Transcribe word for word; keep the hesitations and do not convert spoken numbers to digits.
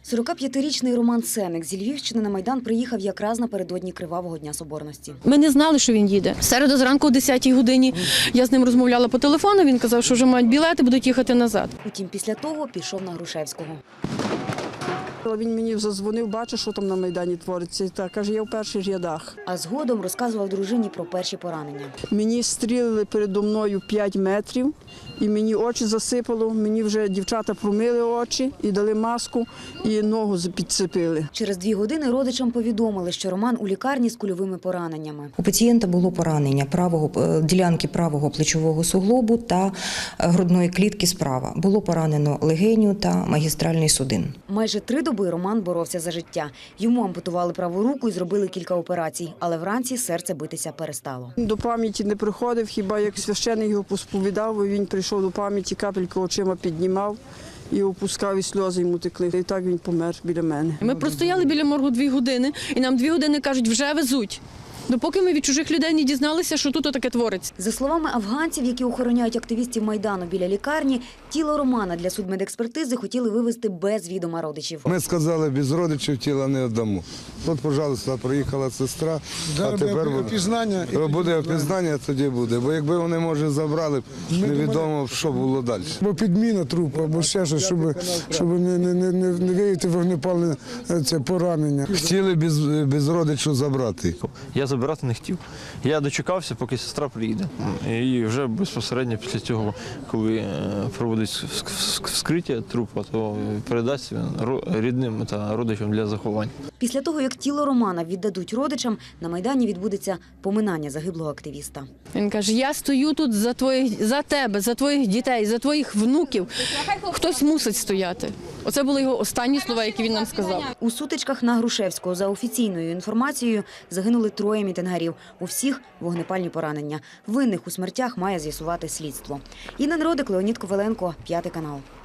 сорокап'ятирічний Роман Сеник зі Львівщини на Майдан приїхав якраз напередодні Кривавого Дня Соборності. Ми не знали, що він їде. В середу зранку о десятій годині я з ним розмовляла по телефону, він казав, що вже мають білети, будуть їхати назад. Утім, після того пішов на Грушевського. Він мені задзвонив, бачив, що там на Майдані твориться. Так, каже, я в перших рядах. А згодом розказував дружині про перші поранення. Мені стрілили передо мною п'ять метрів, і мені очі засипало, мені вже дівчата промили очі і дали маску, і ногу підцепили. Через дві години родичам повідомили, що Роман у лікарні з кульовими пораненнями. У пацієнта було поранення правого, ділянки правого плечового суглобу та грудної клітки справа. Було поранено легеню та магістральний судин. Майже три доби Роман боровся за життя. Йому ампутували праву руку і зробили кілька операцій, але вранці серце битися перестало. До пам'яті не приходив, хіба як священик його посповідав, він прийшов до пам'яті, капельку очима піднімав і опускав, і сльози йому текли. І так він помер біля мене. Ми простояли біля моргу дві години, і нам дві години кажуть, вже везуть. Допоки ми від чужих людей не дізналися, що тут таке твориться. За словами афганців, які охороняють активістів Майдану біля лікарні, тіло Романа для судмедекспертизи хотіли вивезти без відома родичів. Ми сказали, без родичів тіла не віддамо. От, пожалуйста, приїхала сестра, а тепер буде опізнання. Буде опізнання, тоді буде. Бо якби вони, може, забрали, невідомо, що було далі. Або підміна трупу, або ще щось, щоб, щоб не, не, не, не виявити вогнепальне це поранення. Хотіли без, без родичів забрати. Я забирати не хотів. Я дочекався, поки сестра приїде. І вже безпосередньо після цього, коли проводить вскриття трупа, то передасть він рідним та родичам для заховання. Після того, як тіло Романа віддадуть родичам, на Майдані відбудеться поминання загиблого активіста. Він каже, я стою тут за твоїх, за тебе, за твоїх дітей, за твоїх внуків. Хтось мусить стояти. Оце були його останні слова, які він нам сказав. У сутичках на Грушевського, за офіційною інформацією, загинули троє мітингарів. У всіх вогнепальні поранення. Винних у смертях має з'ясувати слідство. Інна Народик, Леонід Коваленко, П'ятий канал.